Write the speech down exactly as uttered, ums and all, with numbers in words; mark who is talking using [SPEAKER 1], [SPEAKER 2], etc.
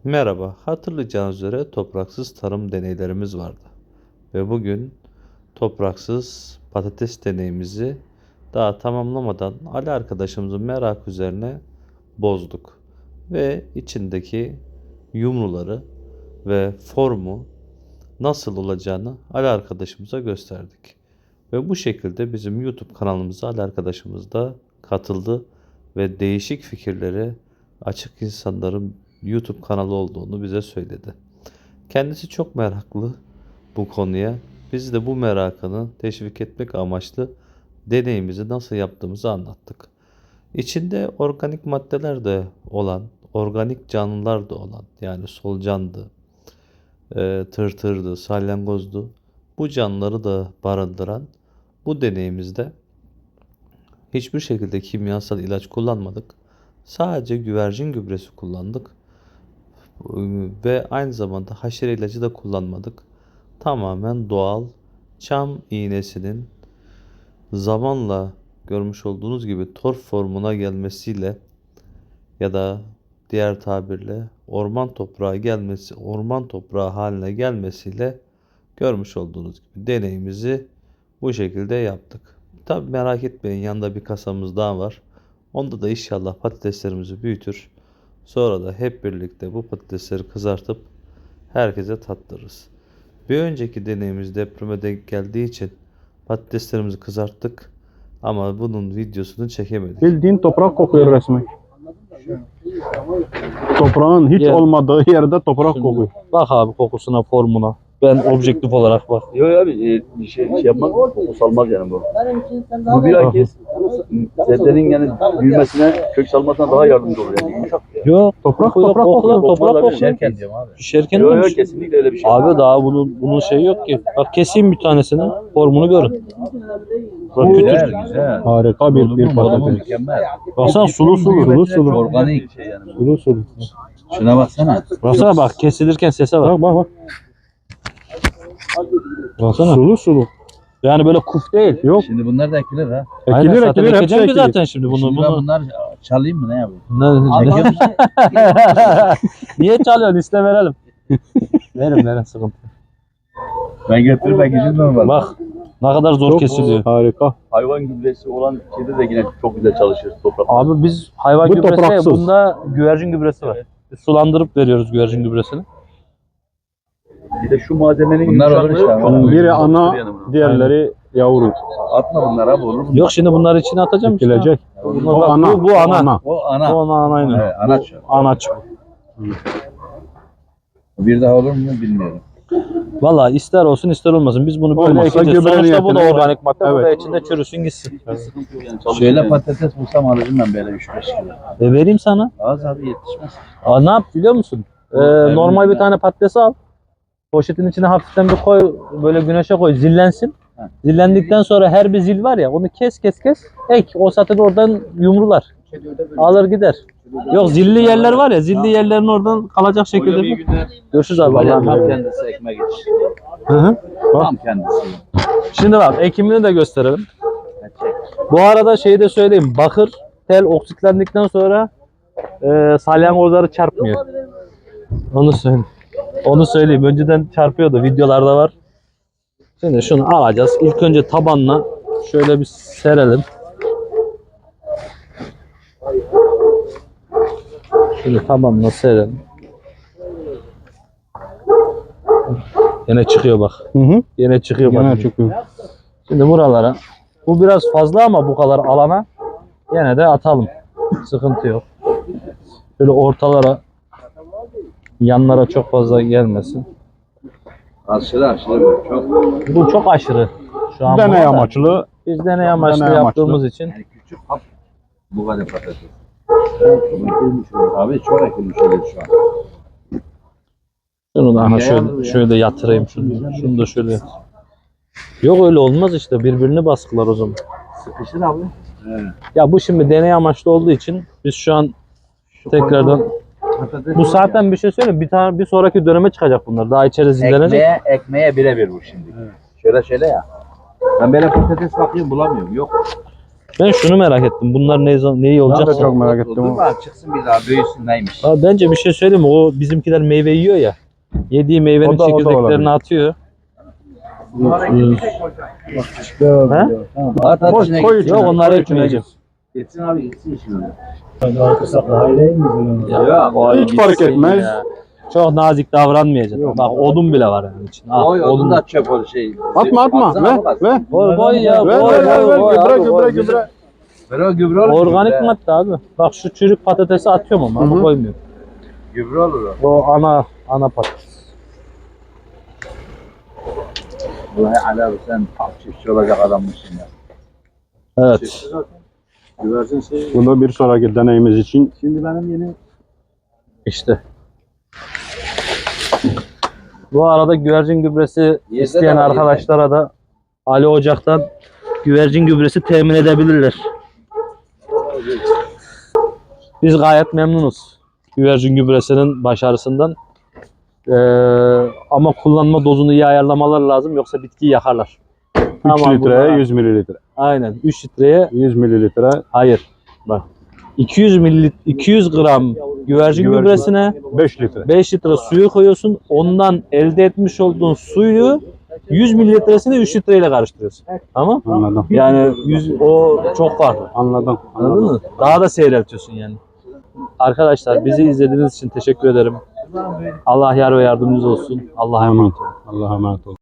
[SPEAKER 1] Merhaba, hatırlayacağınız üzere topraksız tarım deneylerimiz vardı. Ve bugün topraksız patates deneyimizi daha tamamlamadan Ali arkadaşımızın merak üzerine bozduk. Ve içindeki yumruları ve formu nasıl olacağını Ali arkadaşımıza gösterdik. Ve bu şekilde bizim YouTube kanalımıza Ali arkadaşımız da katıldı ve değişik fikirlere açık insanların YouTube kanalı olduğunu bize söyledi. Kendisi çok meraklı bu konuya. Biz de bu merakını teşvik etmek amaçlı deneyimizi nasıl yaptığımızı anlattık. İçinde organik maddeler de olan, organik canlılar da olan, yani solucandı, e, tırtırdı, salyangozdu. Bu canlıları da barındıran bu deneyimizde hiçbir şekilde kimyasal ilaç kullanmadık. Sadece güvercin gübresi kullandık. Ve aynı zamanda haşere ilacı da kullanmadık. Tamamen doğal çam iğnesinin zamanla görmüş olduğunuz gibi torf formuna gelmesiyle ya da diğer tabirle orman toprağı gelmesi, orman toprağı haline gelmesiyle görmüş olduğunuz gibi deneyimizi bu şekilde yaptık. Tabi merak etmeyin, yanında bir kasamız daha var. Onda da inşallah patateslerimizi büyütür. Sonra da hep birlikte bu patatesleri kızartıp herkese tattırırız. Bir önceki deneyimiz depreme denk geldiği için patateslerimizi kızarttık ama bunun videosunu çekemedik.
[SPEAKER 2] Bildiğin toprak kokuyor resmen. Toprağın hiç
[SPEAKER 3] Yer.
[SPEAKER 2] olmadığı yerde toprak kokuyor.
[SPEAKER 3] Bak abi kokusuna, formuna. Ben objektif olarak bak.
[SPEAKER 4] Yok abi e, bir şey, şey yapmaz, koku salmaz yani bu. Bu bilakis sebzenin yani büyümesine, kök salmasına daha yardımcı olur yani. Yumuşak ya.
[SPEAKER 3] Yok.
[SPEAKER 2] Toprak
[SPEAKER 3] kokuyor,
[SPEAKER 2] toprak
[SPEAKER 3] kokuyor,
[SPEAKER 2] kokuyor.
[SPEAKER 3] toprak kokuyor.
[SPEAKER 4] Pişerken diyorum abi.
[SPEAKER 3] Pişerken
[SPEAKER 4] Yok
[SPEAKER 3] de
[SPEAKER 4] yok
[SPEAKER 3] piş-
[SPEAKER 4] kesinlikle öyle bir şey.
[SPEAKER 3] Abi daha bunun bunun şeyi yok ki. Bak keseyim bir tanesini. Formunu görün. Bak kütür.
[SPEAKER 4] Güzel güzel.
[SPEAKER 2] Harika bir, bir patates.
[SPEAKER 4] Mükemmel.
[SPEAKER 3] Baksana sulu sulu.
[SPEAKER 2] Sulu sulu.
[SPEAKER 4] Organik şey yani. bu.
[SPEAKER 2] Sulu sulu.
[SPEAKER 4] Şuna baksana.
[SPEAKER 3] Baksana bak kesilirken sese bak.
[SPEAKER 2] Bak bak bak.
[SPEAKER 3] Baksana.
[SPEAKER 2] Sulu sulu.
[SPEAKER 3] Yani böyle kuf değil.
[SPEAKER 2] Yok.
[SPEAKER 4] Şimdi bunlar da ekilir ha.
[SPEAKER 3] Aynen,
[SPEAKER 2] Ekilir
[SPEAKER 3] zaten
[SPEAKER 2] ekilir hepsi
[SPEAKER 3] ekeceğim ki
[SPEAKER 2] ekilir.
[SPEAKER 3] zaten şimdi bunu.
[SPEAKER 4] Şimdi ben
[SPEAKER 3] bunu.
[SPEAKER 4] bunlar çalayım mı ne yapayım?
[SPEAKER 3] Ne, ne? Niye çalıyorsun? İste verelim. Verin verin, sıkıntı.
[SPEAKER 4] Ben götürüp ekeceğim normal.
[SPEAKER 3] Bak ne kadar zor
[SPEAKER 2] Çok
[SPEAKER 3] kesiliyor.
[SPEAKER 2] harika.
[SPEAKER 4] Hayvan gübresi olan şeyde de yine çok güzel çalışır toprak.
[SPEAKER 3] Abi biz hayvan
[SPEAKER 2] Bu
[SPEAKER 3] gübresi,
[SPEAKER 2] topraksız.
[SPEAKER 3] bunda güvercin gübresi var. Biz sulandırıp veriyoruz güvercin gübresini.
[SPEAKER 4] Bir de şu malzemenin
[SPEAKER 5] Bunlar olur
[SPEAKER 4] yumuşaklığı
[SPEAKER 5] işte
[SPEAKER 4] çok
[SPEAKER 5] ama.
[SPEAKER 4] uygun.
[SPEAKER 2] Biri
[SPEAKER 4] Çok
[SPEAKER 2] ana,
[SPEAKER 4] yani bunun.
[SPEAKER 2] diğerleri yavru.
[SPEAKER 4] Atma bunlar abi olur mu?
[SPEAKER 3] Yok şimdi bunları içine atacağım işte.
[SPEAKER 2] Ekilecek.
[SPEAKER 3] Bunlar
[SPEAKER 2] O
[SPEAKER 3] bak,
[SPEAKER 2] ana.
[SPEAKER 3] Bu, bu ana.
[SPEAKER 2] ana.
[SPEAKER 4] O ana.
[SPEAKER 3] Bu ana anayla.
[SPEAKER 4] Evet, anaç.
[SPEAKER 3] Anaç.
[SPEAKER 5] Bir daha olur mu bilmiyorum.
[SPEAKER 3] Valla ister olsun ister olmasın. Biz bunu böyle
[SPEAKER 2] Olmazsa
[SPEAKER 3] ekeceğiz.
[SPEAKER 2] gübre
[SPEAKER 3] Sonuçta bu da
[SPEAKER 2] niyetine-
[SPEAKER 3] organik madde. Bu da
[SPEAKER 2] Evet.
[SPEAKER 3] içinde çürüsün gitsin.
[SPEAKER 4] Sıkıntı yok yani. Çalışır
[SPEAKER 5] Şöyle
[SPEAKER 4] yani.
[SPEAKER 5] patates bulsam alırım ben böyle üç beş kilo.
[SPEAKER 3] E vereyim sana.
[SPEAKER 4] Az abi yetişmez.
[SPEAKER 3] Aa, ne yap biliyor musun? Ee, normal bir tane patatesi al. Poşetin içine hafiften bir koy. Böyle güneşe koy. Zillensin. Zillendikten sonra her bir zil var ya, onu kes kes kes. Ek. O zaten oradan yumrular. Alır gider. Yok zilli yerler var ya, zilli yerlerin oradan kalacak şekilde.
[SPEAKER 4] Öyle bir günde
[SPEAKER 3] Görüşürüz abi.
[SPEAKER 4] Vallahi
[SPEAKER 3] Allah'a
[SPEAKER 4] tam
[SPEAKER 3] emanet.
[SPEAKER 4] kendisi ekmek iç.
[SPEAKER 2] Hı hı.
[SPEAKER 4] Tam kendisi.
[SPEAKER 3] Şimdi bak ekimini de gösterelim. Bu arada şeyi de söyleyeyim. Bakır tel oksitlendikten sonra e, salyangozları çarpmıyor. Onu söyleyeyim. Onu söyleyeyim. Önceden çarpıyordu. Videolarda var. Şimdi şunu alacağız. İlk önce tabanla şöyle bir serelim. Şimdi tabanla serelim. Yine çıkıyor bak.
[SPEAKER 2] Hı hı.
[SPEAKER 3] Yine çıkıyor bak.
[SPEAKER 2] Yine çıkıyor.
[SPEAKER 3] Şimdi buralara. Bu biraz fazla ama bu kadar alana yine de atalım. Sıkıntı yok. Böyle ortalara, yanlara çok fazla gelmesin.
[SPEAKER 4] Aşırı aşırı böyle çok.
[SPEAKER 3] Bu çok aşırı. Şu an
[SPEAKER 2] Deney
[SPEAKER 3] burada.
[SPEAKER 2] amaçlı.
[SPEAKER 3] Biz deney amaçlı
[SPEAKER 2] Deney amaçlı.
[SPEAKER 3] yaptığımız için.
[SPEAKER 4] Yani küçük hap bu kadar patates. Ekilmiş öyle. Abi çok ekilmiş öyle şu an.
[SPEAKER 3] Şunu da aha
[SPEAKER 4] Ne
[SPEAKER 3] şöyle,
[SPEAKER 4] yapıyor ya?
[SPEAKER 3] şöyle yatırayım şunu. Şunu da şöyle yat. Yok öyle olmaz işte. Birbirini baskılar o zaman.
[SPEAKER 4] Sıkışır abi.
[SPEAKER 3] Ya bu şimdi deney amaçlı olduğu için biz şu an tekrardan
[SPEAKER 4] Patates
[SPEAKER 3] bu zaten bir şey söyleyeyim. Bir tane bir sonraki döneme çıkacak bunlar. Daha içeri zillenecek.
[SPEAKER 4] ekmeğe, ekmeğe birebir bu şimdi. Şöyle şöyle ya. Ben böyle patates bakıyorum bulamıyorum. Yok.
[SPEAKER 3] Ben şunu merak ettim. Bunlar ne neyi
[SPEAKER 2] Ben
[SPEAKER 3] olacak?
[SPEAKER 2] de çok merak ettim.
[SPEAKER 5] Dur bak çıksın bir daha büyüsün neymiş.
[SPEAKER 3] Abi bence bir şey söyleyeyim mi? O bizimkiler meyve yiyor ya. Yediği meyvenin
[SPEAKER 2] O da- o da olabilir.
[SPEAKER 3] çekirdeklerini atıyor. He?
[SPEAKER 5] At at
[SPEAKER 2] Koy,
[SPEAKER 5] içine
[SPEAKER 2] koy
[SPEAKER 5] gitsin.
[SPEAKER 2] içine.
[SPEAKER 3] Yok onları
[SPEAKER 2] koy içine.
[SPEAKER 3] etmeyeceğim.
[SPEAKER 5] Gitsin abi gitsin şimdi.
[SPEAKER 3] Ya, vay
[SPEAKER 2] Hiç fark
[SPEAKER 3] gitsin
[SPEAKER 2] etmez.
[SPEAKER 3] ya. Çok nazik davranmayacaksın. Bak odun bile var yani için. Ah,
[SPEAKER 5] Oy
[SPEAKER 3] odun.
[SPEAKER 5] odun da çöp o şey.
[SPEAKER 2] Atma atma.
[SPEAKER 5] Baksana
[SPEAKER 2] Ver
[SPEAKER 5] bak.
[SPEAKER 2] ver.
[SPEAKER 3] Koy koy ya.
[SPEAKER 2] Ver
[SPEAKER 3] Koy
[SPEAKER 2] ver ver.
[SPEAKER 3] koy
[SPEAKER 2] ver.
[SPEAKER 3] koy.
[SPEAKER 2] Gübre
[SPEAKER 3] abi,
[SPEAKER 2] gübre
[SPEAKER 3] koy.
[SPEAKER 2] gübre.
[SPEAKER 5] Ver o gübre olur.
[SPEAKER 3] Organik
[SPEAKER 5] gübre.
[SPEAKER 3] madde abi. Bak şu çürük patatesi atıyorum ama
[SPEAKER 2] Hı hı.
[SPEAKER 3] ama koymuyorum.
[SPEAKER 5] Gübre olur o.
[SPEAKER 3] O ana ana patates.
[SPEAKER 5] Vallahi Ali abi sen tam çiftçi olacak adammışsın ya.
[SPEAKER 3] Evet.
[SPEAKER 5] Güvercin şey.
[SPEAKER 2] Bu da bir sonraki deneyimiz için.
[SPEAKER 5] Şimdi benim yeni
[SPEAKER 3] İşte. Bu arada güvercin gübresi
[SPEAKER 5] Yerde
[SPEAKER 3] isteyen
[SPEAKER 5] de var,
[SPEAKER 3] arkadaşlara da Ali Ocak'tan güvercin gübresi temin edebilirler. Biz gayet memnunuz güvercin gübresinin başarısından. Ee, ama kullanma dozunu iyi ayarlamalar lazım yoksa bitkiyi yakarlar.
[SPEAKER 2] üç
[SPEAKER 3] Ama
[SPEAKER 2] litreye
[SPEAKER 3] bunlara-
[SPEAKER 2] yüz mililitre.
[SPEAKER 3] Aynen üç litreye
[SPEAKER 2] yüz mililitre
[SPEAKER 3] hayır. Bak iki yüz mililitre iki yüz gram güvercin
[SPEAKER 2] Güvercin.
[SPEAKER 3] gübresine
[SPEAKER 2] beş litre.
[SPEAKER 3] beş litre suyu koyuyorsun. Ondan elde etmiş olduğun suyu yüz mililitresini üç litreyle karıştırıyorsun. Tamam?
[SPEAKER 2] Anladım.
[SPEAKER 3] Yani yüz, o çok farklı.
[SPEAKER 2] Anladım.
[SPEAKER 3] Anladın
[SPEAKER 2] Anladım.
[SPEAKER 3] mı? Daha da seyreltiyorsun yani. Arkadaşlar bizi izlediğiniz için teşekkür ederim. Allah yar ve yardımcınız olsun. Allah'a emanet olun.
[SPEAKER 2] Allah'a emanet olun.